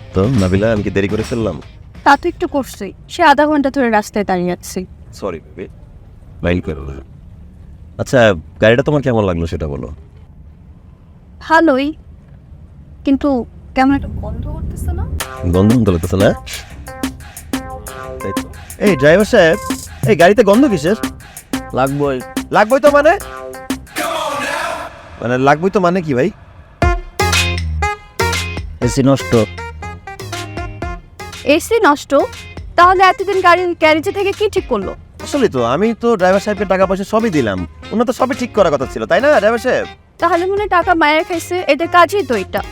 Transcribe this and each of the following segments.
তো নাবিলা, আমি কি দেরি করে ফেললাম? তা তো একটু করছই, সে আধা ঘন্টা ধরে রাস্তায় দাঁড়িয়ে আছি। সরি বেবি, মাইন্ড করো না। আচ্ছা, গাড়িটা তোমার কেমন লাগলো সেটা বলো। ভালোই, কিন্তু কেমন একটা গন্ধ করতেছে না? গন্ধ গন্ধ লাগতেছে না? এই ড্রাইভার সাহেব, এই গাড়িতে গন্ধ কিসের? লাগবই। লাগবই তো মানে লাগবই তো মানে কি ভাই? এসি নষ্ট। এসি নষ্ট? তাহলে এতদিন গাড়ির গ্যারেজে থেকে কি ঠিক করলো? আসলে তো আমি তো ড্রাইভার সাহেবকে টাকা পয়সা সবই দিলাম, ওনার তো সবই ঠিক করার কথা ছিল, তাই না ড্রাইভার সাহেব? তাহলে মনে হয় টাকা মায়ের খাইছে, এদের কাজই তো এটা।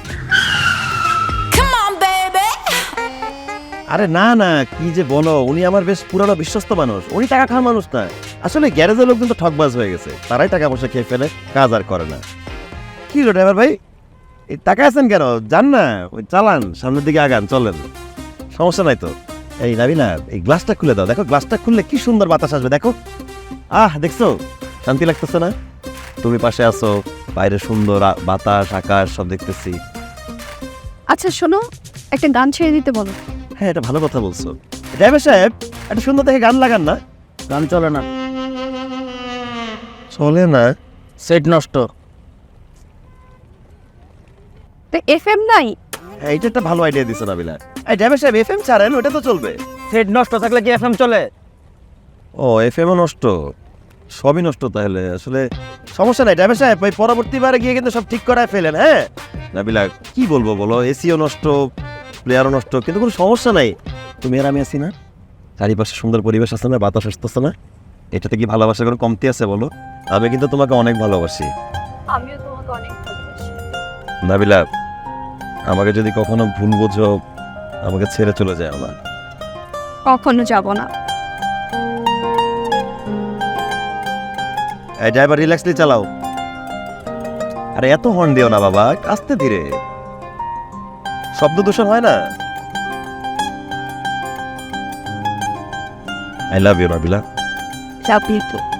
আরে না না, কি যে বলো, উনি আমার বেশ পুরানো বিশ্বস্ত মানুষ, উনি টাকা খাওয়ার মানুষ না। আসলে গ্যারেজের লোকজন তো ঠকবাজ হয়ে গেছে, তারাই টাকা পয়সা খেয়ে ফেলে, কাজ আর করে না। কি হলো ড্রাইভার ভাই, এই টাকা আছেন কেন? যান না, ওই চালান, সামনের দিকে আগান, চলেন, সমস্যা নাই তো। এই নাবিলা, এই গ্লাসটা খুলে দাও, দেখো গ্লাসটা খুললে কি সুন্দর বাতাস আসবে, দেখো। দেখছো, শান্তি লাগতেছে না? তুমি পাশে আছো, বাইরে সুন্দর বাতাস, আকাশ সব দেখতেছি। আচ্ছা শোনো, একটা গান ছেড়ে দিতে বলো। হ্যাঁ, এটা ভালো কথা বলছো। ড্রাইভার সাহেব, একটা সুন্দর দেখে গান লাগান না। গান চলে না, চলে না? সেট নষ্ট। তো এফএম নাই? হ্যাঁ, এটা একটা ভালো আইডিয়া দিছো নাবিলা। এই ড্রাইভার সাহেব, এফএম ছাড়েন, ওটা তো চলবে। সেট নষ্ট থাকলে কি এফএম চলে? ও, এফএমও নষ্ট, সবই নষ্ট তাহলে। আসলে সমস্যা নাই ড্রাইভার সাহেব, ওই পরবর্তীবারে গিয়ে কিন্তু সব ঠিক করায় ফেলেন। হ্যাঁ নাবিলা, কি বলবো বলো, এসিও নষ্ট, প্লেয়ারও নষ্ট, কিন্তু কোনো সমস্যা নাই। তুমি আর আমি আছি না, চারিপাশে সুন্দর পরিবেশ আছে না, বাতাস আসতেছে না, এটাতে কি ভালোবাসার কোনো কমতি আছে বলো? আমি কিন্তু তোমাকে অনেক ভালোবাসি। আমিও তোমাকে অনেক ভালোবাসি। নাবিলা, আমাকে যদি কখনো ভুল বোঝো, আমাকে ছেড়ে চলে যায় না। কখনো যাব না। এই ড্রাইভার, রিল্যাক্সলি চালাও। আরে এত হর্ন দিও না বাবা, আস্তে ধীরে, শব্দ দূষণ হয় না। I love you Nabila. চাপিয়ে তো